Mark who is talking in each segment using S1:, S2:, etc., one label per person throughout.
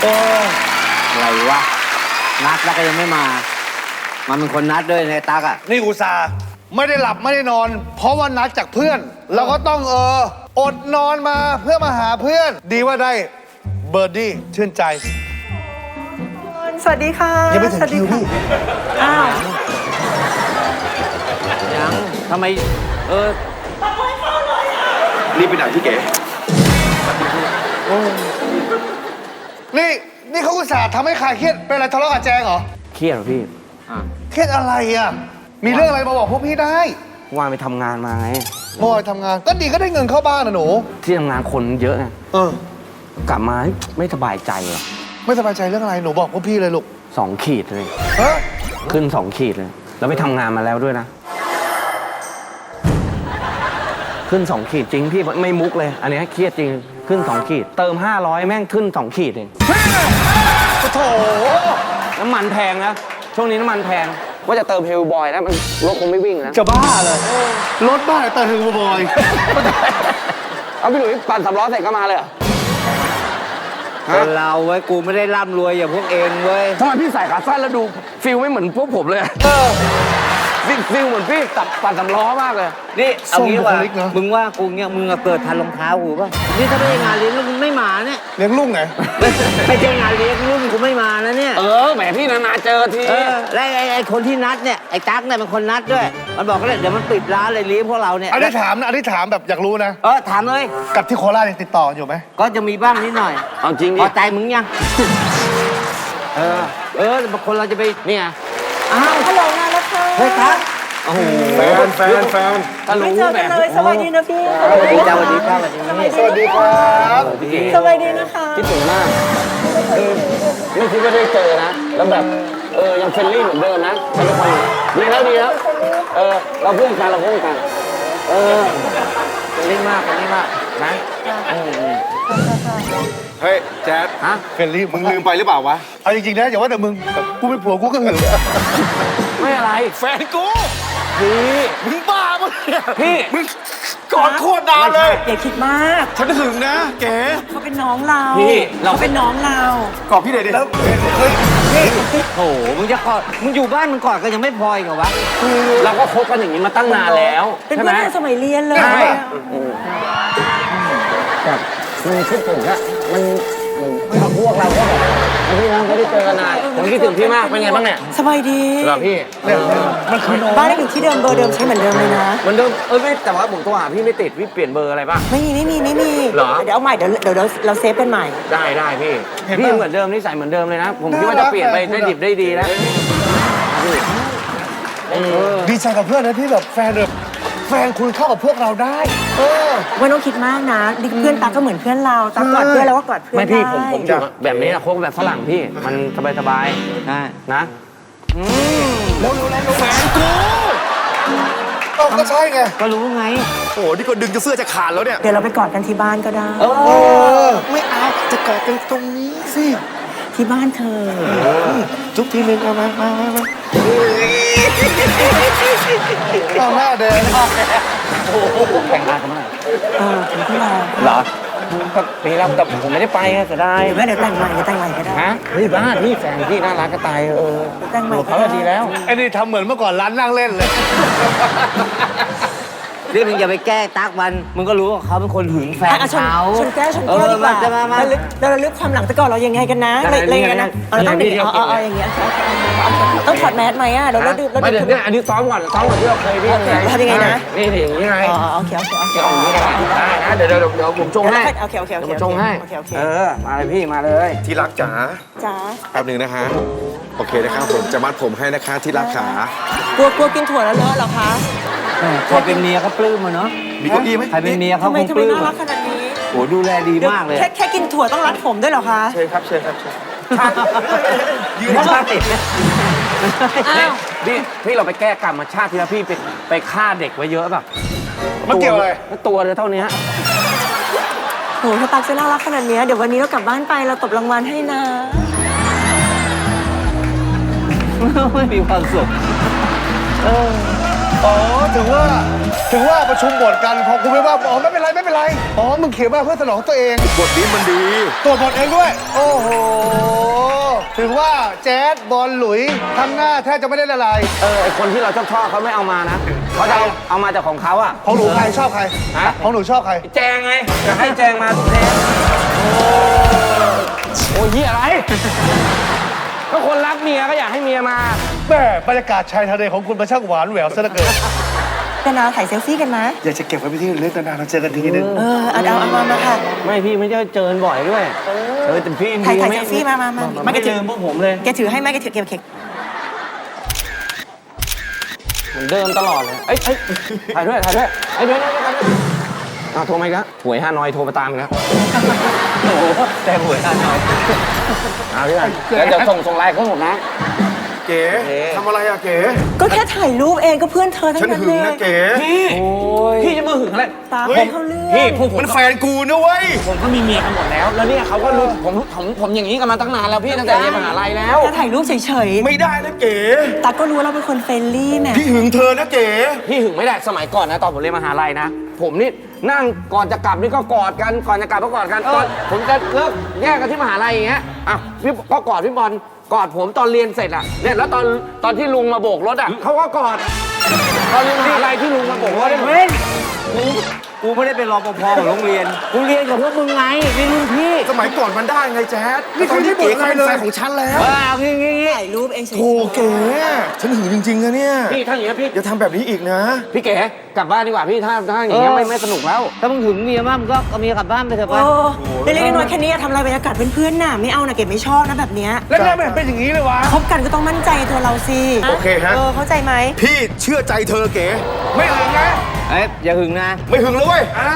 S1: โอ้อะไรวะนัดแล้วก็ยังไม่มามันเป็นคนนัดด้วยในตักอ่ะ
S2: นี่อุตส่าห์ไม่ได้หลับไม่ได้นอน เพราะว่านัดจากเพื่อนเราก็ต้องอดนอนมาเพื่อมาหาเพื่อน ดีว่าได้เบอร์ดี้ชื่นใจ
S3: สวัสดีค่ะ
S2: ยังไม่ถึงคิวพี่
S3: อ้าว
S1: ยังทำไม
S4: รีบไปไหนพี่เก๋
S2: นี่เขาอุตส่าห์ทำให้คลายเครียดเป็นอะไรทะเลาะกับแจงเหรอ
S5: เครียดเหรอพี่
S2: เครียดอะไรอ่ะมีเรื่องอะไรมาบอกพวกพี่ได้
S5: ว่าไปทำงานมาไง
S2: เมื่อวานทำงานก็ดีก็ได้เงินเข้าบ้านนะหนู
S5: ที่ทำงานคนเยอะไง กลับมาไม่สบายใจเหรอ
S2: ไม่สบายใจเรื่องอะไรหนูบอกพวกพี่เลยลูก
S5: 2 ขีดเลย
S2: ฮะ
S5: ขึ้น 2 ขีดเลย แล้วไปทำงานมาแล้วด้วยนะ ขึ้น 2 ขีดจริงพี่ไม่มุกเลย อันนี้เครียดจริงขึ้น 2 ขีด เติม 500 แม่งขึ้น 2 ขีดเอง
S2: โถ
S5: น้ำมันแพงนะ ช่วงนี้น้ำมันแพง ว่าจะเติมเฮลบอยนะมันรถคงไม่วิ่งนะ
S2: จะบ้าเลยรถบ้าแต่ถึงบอย
S5: เอาพี่หลุยปั่น3 ล้อเสร็จก็มาเลยเหรอ
S1: คนเราไว้กูไม่ได้ร่ำรวยอย่างพวกเองเว้ย
S5: ทำไมพี่ใส่ขาสั้นแล้วดูฟิลไม่เหมือนพวกผมเลยฟิลเหมือนพี่ตับปั่น3 ล้อมากเลย
S1: นี่เอางี้ว่ามึงว่ากูเนี่ยมึงเกิดทันรองเท้ากูป่ะนี่ถ้าไม่ใช่งานเลี้ยงลูกมึงไม่มาเนี่ย
S2: เลี้ยงลูกไง
S1: ไม่ใช่งานเลี้ยงลูกกูไม่มานะเนี่ย
S5: แหมพี่นานๆเจอที
S1: และไอ้คนที่นัดเนี่ยไอ้ตั๊กเนี่ยเป็นคนนัดด้วยมันบอกก็เลยเดี๋ยวมันปิดร้านเลยเลี้ยงพวกเราเนี่ย
S2: อันนี้ถามนะอันนี้ถามแบบอยากรู้นะ
S1: ถามเลย
S2: กับที่โคราชยังติดต่ออยู่ไหม
S1: ก็จะมีบ้างนิดหน่อย
S5: เอาจริงดิ
S1: พอใจมึงยังบางคนเราจะไปเนี่ยอ้าว
S3: ฮัลโหลงานแล้วค่ะ
S1: เฮ้ยตั๊กโอ้โห
S4: แฟน
S5: ถ้า
S3: ไม่
S5: รู้
S3: เจอ
S5: แบ
S3: กัน
S5: บ
S3: เลยสบายดีนะพี่
S1: สวัสดีจ้าสวัสดีครับสวัสดี
S2: สวัสดีครับ
S3: สบายดีนะคะ
S5: คิดถึงมากไม่คิดว่าได้เจอนะ แล้วแบบยังเฟรนลี่เหมือนเดิมนะแต่ละคนดีแล้วเราเพื่อนกันเป็นเล่นมากนะ
S4: เฮ้ยแจ๊ด
S5: ฮะ
S2: เฟรนลี่
S4: มึงลืมไปหรือเปล่าวะ
S2: เอาจริงๆนะอย่าว่าแต่มึงกูเป็นผัวกูก็หึง
S5: ไม่อะไร
S4: แฟนกู
S5: พี่
S4: มึงบ้าปะเนี่ย
S5: พี่
S4: มึงกอดโคตรนานเลย
S3: อย่าคิดมาก
S4: ฉันหึงนะเก๋
S3: เขาเป็นน้องเรา
S5: พี่เรา
S3: เขาเป็นน้องเรา
S4: กอดพี่เด็ดดิ
S2: แล้วเฮ้ย
S1: โอ้โหมึงจะกอดมึงอยู่บ้านมึงกอดกันยังไม่พออีกเหรอวะ
S5: เราก็คบกันอย่างนี้มาตั้งนานแล้ว
S3: เป็น
S5: ใช่
S3: เพื่
S5: ไห
S3: อ
S5: ม
S3: นกันสมัยเรียนเลย
S5: ใช่แบบมันคิดถึงอะมันพวกเราก็แบบพี่น้องไม่ได้เจอกันนานผมคิดถึงพี่มากเป็นไงบ้างเนี่ย
S3: สบายดี
S5: เหรอพี่
S2: มันคือน้อง
S3: บ้านได้อยู่ที่เดิมเบอร์เดิมใช้เหมือนเดิมเลยนะ
S5: มันเดิมไม่แต่ว่าผมโทรหาพี่ไม่ติดพี่เปลี่ยนเบอร์อะไรป่ะ
S3: ไม่มี
S5: เหรอ
S3: เดี๋ยวเอาใหม่เดี๋ยวเราเซฟกันใหม่
S5: ได้พี่พี่เหมือนเดิมนิสัยเหมือนเดิมเลยนะ ผมคิดว่าจะเปลี่ยนไปได้ดิบได้ดีแล้ว
S2: ดีใจกับเพื่อนนะที่แบบแฟนคุณเข้ากับพวกเราได้
S3: ไม่ต้องคิดมากนะดิเพื่อนตาก็เหมือนเพื่อนเราตากอดเพื่อนแล้วก็กอดเพื่อน
S5: ไม่พี่
S3: ได้
S5: ผมอยู่แบบนี้นะโค้งแบบฝรั่งพี่มันสบาย
S1: ใช่
S5: ๆนะ
S2: แล้วแฟนกูก็ใช่ไง
S1: ก็รู้ไง
S4: โอ้โหนี่ก็ดึงจะเสื้อจะขาดแล้วเนี่ย
S3: เดี๋ยวเราไปกอดกันที่บ้านก็ได้
S2: ไม่เอาจะกอดกันตรงนี้สิ
S3: ที่บ้านเธอ
S2: จุ๊บทีนึงเอามาเอาหน้าแดง
S5: แต่งงานกันเมื่อไหร่
S3: ถึงที่เรา
S5: เหรอก็ปีแล้วแต่ผมไม่ได้ไปไงเสียดาย
S3: เดี๋ยวแต่งใหม่ก็ได้
S5: ฮะเฮ้ยบ้าพี่แฟนพี่น่ารักก็ตาย
S3: แต่งใหม่
S5: เขาดีแล้ว
S2: ไอ้นี่ทำเหมือนเมื่อก่อนร้านนั่งเล่นเลย
S1: เรื่องนึงอย่าไปแก้ตั๊กมันมึงก็รู้ว่าเขาเป็นคนหึงแฟน
S3: ชน
S1: เขา
S3: แก้ดีกว่า
S1: จะมา
S3: เราลึกความหลังแต่ก่อนเรายังไงกันนะอะไรอย่างเงี้ยนะเราต้องอย่างเงี้ยต้องถอดแมสไหมอ่ะเราดื่ม
S5: ไม่เดี๋ยวเนี่ยอันนี้ซ้อมก่อนที่เราเคยพี่นี่อย่างนี้ไง
S3: โอเค
S5: อย่างนี้ได้นะเดี๋ยวผมชงให้
S3: โอเค
S5: ผมชงให้มาเลยพี่มาเลย
S4: ที่รักจ๋า
S3: จ้า
S4: แป๊บหนึ่งนะคะ โอเคนะครับผมจะมัดผมให้นะคะที่รักขาก
S3: ลัวกินถั่วแล้วเลอะเหรอคะ
S1: ใครเป็นเมียเขาปลื้มอะเนาะ
S4: มีเก้าอี้ไหม
S1: ใครเป็นเมียเขา
S3: ทำไม
S1: คงปลื้ม
S3: น่ารักขนาดนี้
S1: โหดูแลดีมากเลย
S3: แค่กินถั่วต้องรัดผมด้วยเหรอคะ
S4: เชิญครับเชิญ
S1: ไม่ใช่
S3: อ้าว
S5: พี่เราไปแก้กรรมชาติที่แล้วพี่ไปฆ่าเด็กไว้เยอะแบบ
S2: มันเกี่ยวอะไร
S5: ตัวเท่านี้
S3: โหถ้าตักจะน่ารักขนาดนี้เดี๋ยววันนี้เรากลับบ้านไปเราตบรางวัลให้นะ
S1: ไม่มีความสุข
S2: อ๋อถึงว่าประชุมบทกันพอคุณไม่ว่าอ๋อไม่เป็นไรอ๋อมึงเขียนมาเพื่อสนองตัวเอง
S4: บทนี้มันดี
S2: ตัวบทเองด้วย โอ้โหถึงว่าแจ๊ดบอลหลุยทำหน้าแทบจะไม่ได้ละลาย
S5: ไอคนที่เราชอบเขาไม่เอามานะเขาจะเอามาจากของเขาอะ
S2: ของหนูใครชอบใคร
S5: ฮะ
S2: ของหนูชอบใคร
S5: แจงไงจะให้แจงมาทุกเทปโอ้ยยี่อะไรก็คนรักเมียก็อยากให้เมียมา
S2: แม่บรรยากาศชายทะเลของคุณมันช่างหวานแหววซะเหลือเกิน
S3: กันนะถ่ายเซลฟี่กันนะ
S2: อยากจะเก็บไว้เป็นที่ระลึกนานๆเราเจอกันทีนึง
S3: เอามาค่ะ
S5: ไม่พี่ไม่ได้เจอบ่อยด้วยแต่พี่
S3: ถ่ายเซลฟี่มา
S5: ไม่เจอพวกผมเลย
S3: แกถือให้ไหมแกถือเก็บเค้ก
S5: เหมือนเดิมตลอดเลยเอ้ยถ่ายด้วยเดี๋ยวโทรมาอีกแล้วหวยฮานอยโทรมาตามอีกแล้วโอ้โหแต่หวยฮานอยเอาพี่กันเดี๋ยวส่งไลน์เขาหมดนะ
S4: เก๋ทำอะไรอะเก๋
S3: ก็แค่ถ่ายรูปเองก็เพื่อนเธอทั้ง
S4: ฉัน
S3: นั้น
S4: หึ
S3: เล
S4: ง
S3: ย
S4: นะเก๋
S5: พี่จะมาหึงอะไร
S3: ตาเขาเลือก
S5: พี่พวกผม
S4: มันแฟนกูนะเว้ย
S5: ผมก็มีเมียกันหมดแล้ว แล้วเนี่ยเขาก็รู้ผมอย่างนี้กันมาตั้งนานแล้วพี่ตั้งแต่เรียนมหาลัยแล้ว
S3: แค่ถ่ายรูปเฉย
S4: ไม่ได้นะเก๋
S3: ๆตาก็รู้ว่าเราเป็นคนเฟรนลี่แหม
S4: พี่หึงเธอนะเก๋
S5: พี่หึงไม่ได้สมัยก่อนนะตอนผมเรียนมหาลัยนะ ผมนี่นั่งก่อนจะกลับนี่ก็กอดกันก่อนจะกลับก็กอดกันตอนผมจะเลิกแยกกันที่มหาลัยอย่างเงี้ยอ่ะพี่ก็กอดพี่บอลกอดผมตอนเรียนเสร็จอ่ะเนี่ยแล้วตอนที่ลุงมาโบกรถอ่ะเขาก็กอดตอนเรียนมหาลัยที่ลุงมาโบกรถ
S1: เฮ้ยกูไม่ได้เป็นรปภของโรงเรียน กูเรียนกับพวกมึงไงเป็นรุ่นพี่
S4: สมัยก่อนมันได้ไงแจ๊ด
S2: นี่คือที่บทอะไรเลย
S4: แฟนของฉันแล้ว
S1: เอางี้
S3: ถ่ายรูปเองเฉย
S4: โอ้เก๋ฉันหึงจริงๆนะเนี่ย
S5: พี่ถ้าอย่างเงี้ยพี่
S4: อย่าทำแบบนี้อีกนะ
S5: พี่เก๋กลับบ้านดีกว่าพี่ถ้าอย่างเงี้ยไม่สนุกแล้ว
S1: ถ้ามึงถึงเมียมากมึงก็เอาเมียกลับบ้านไปเถอะ
S3: โอ้
S1: ไป
S3: เล็กๆน้อยๆแค่นี้ทำอะไรบรรยากาศเพื่อนๆน่ะไม่เอานะเก็บไม่ชอบนะแบบเนี้ย
S2: แล้วเนี่ยไม่เห็นเป็นอย่างนี้เลยวะ
S3: คบกันก็ต้องมั่นใจในตัวเราสิ
S4: โอเคฮะ
S3: เข้าใจไหม
S4: พี่เชื่อใจเธอเก๋
S2: ไม่หึงนะ
S1: เอ้ยอย่าหึงนะ
S4: ไม่หึงแล้วเว้ย
S2: อ้าว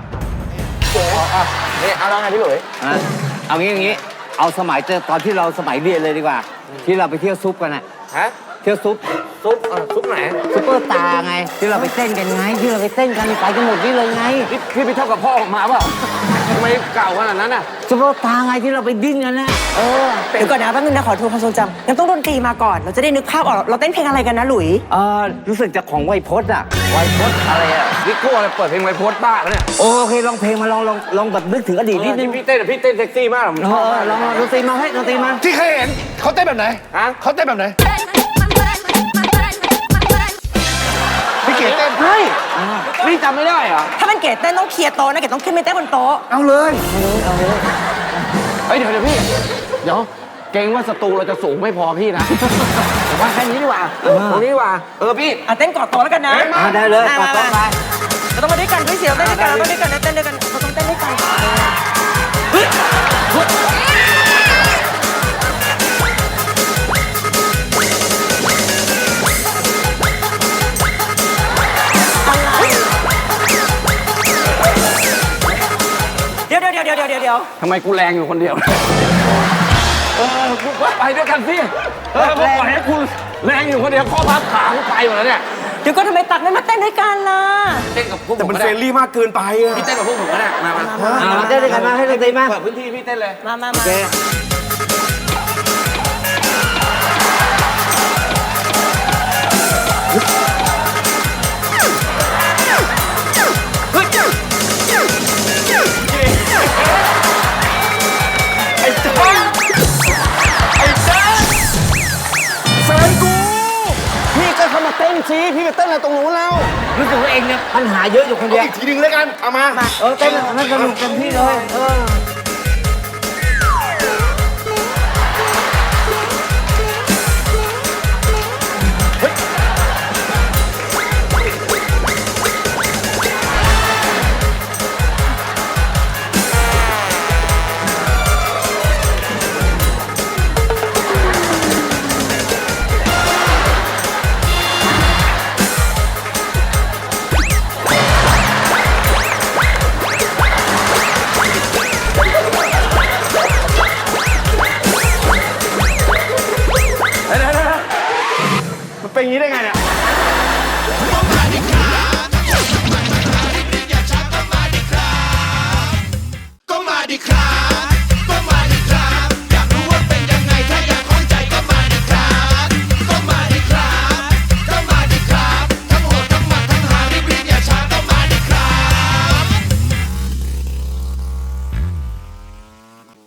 S5: นี่เอาแล้วไงพี่หลุย
S1: อ่ะเอางี้ เอาสมัยตอนที่เราสมัยเรียนเลยดีกว่า ที่เราไปเที่ยวซุปกันอะ
S5: ฮะ
S1: เที่ยวซุป
S5: ซุปไหน
S1: ซุปเปอร์ตาร์ไง ที่เราไปเต้นกันไง ที่เราไปเต้นกันไปกันหมดนี่เลยไง
S5: พี่ไปเท่ากับพ่อออกมาเปล่าทำไมเก่าขนาดนั้นอ่ะ
S1: ซุปเปอร์ตาร์ไงที่เราไปดิ้นกันนะ
S3: เดี๋ยวก่อนนะแป๊บนึงนะขอทวนความทรงจำยังต้องดนตรีมาก่อนเราจะได้นึกภาพออกเราเต้นเพลงอะไรกันนะหลุย
S1: รู้สึกจะของไวโพสอะไวโพสอะไรอะ
S5: วิโก้อะไรเปิดเพลงไวโพสต์บ้าแล้วเนี่ย
S1: โอเคลองเพลงมาลองแบบนึกถึงอดีตนิดนึง
S5: พี่เต้นเซ็กซี่มากผมชอบ
S1: ลองดนตรีมาให้ดนตรีมา
S2: ที่เคยเห็นเขาเต้นแบบไหน
S5: ฮะ
S2: เขาเต้นแบบไหนพี่เก๋เต้น
S5: เฮ้ยนี่จำไม่ได้เหรอ
S3: ถ้ามันเกดเต้นต้องเคลียร์โต๊ะนะเกดต้องขึ้นไปเต้นบนโต๊ะ
S2: เอาเลย
S5: เฮ้ยเดี๋ยวพี่เดี๋ยวเกรงว่าศัตรูเราจะสูงไม่พอพี่นะผมว่าแค่นี้ดีกว่าตรงนี้ดีกว่าพี่
S3: เต้นกอดโต๊ะแล้วกันนะ
S1: ได้เลยกอดโต๊ะไป
S3: เราต้องมาด้วยกันด้วยเสียวเต้นด้วยกันเราต้องด้วยกันเต้นด้วยกันเราต้องเต้นด้วยกันเดี๋ยว
S5: ทำไมกูแรงอยู่คนเดียวกูไปด้วยกันสิกูปล่อยให้คุณแรงอยู่คนเดียวข้อพับขากูไปหมดแล้วเนี่ย
S3: เดี๋ยวก็ทำไมตักไม่มาเต้นด้วยกันล่ะ
S5: เต้นกับพวกผ
S4: แต่
S5: ม
S4: มัน
S5: ก็
S4: เฟร
S5: ได้
S4: นลี่มากเกินไปอะ
S5: พี่เต้นกับพวกผมก็ได้มา
S1: เต้นด้วยกันมาให้ดนตรีมา
S5: เปิดพื้นที่พี่เต้นเลย
S3: มา
S1: โอเค
S4: แฟนกู
S5: พี่ก็เข้ามาเต้นสิพี่ไปเต้นอะไรตรงนู้นแล้ว
S1: รู้สึกว่าเองเนี่ยปัญหาเยอะอยู่คนเดียว
S4: อีกทีหนึงแล้วกัน เอามา
S1: เต้นให้สนุกเต็มที่เลย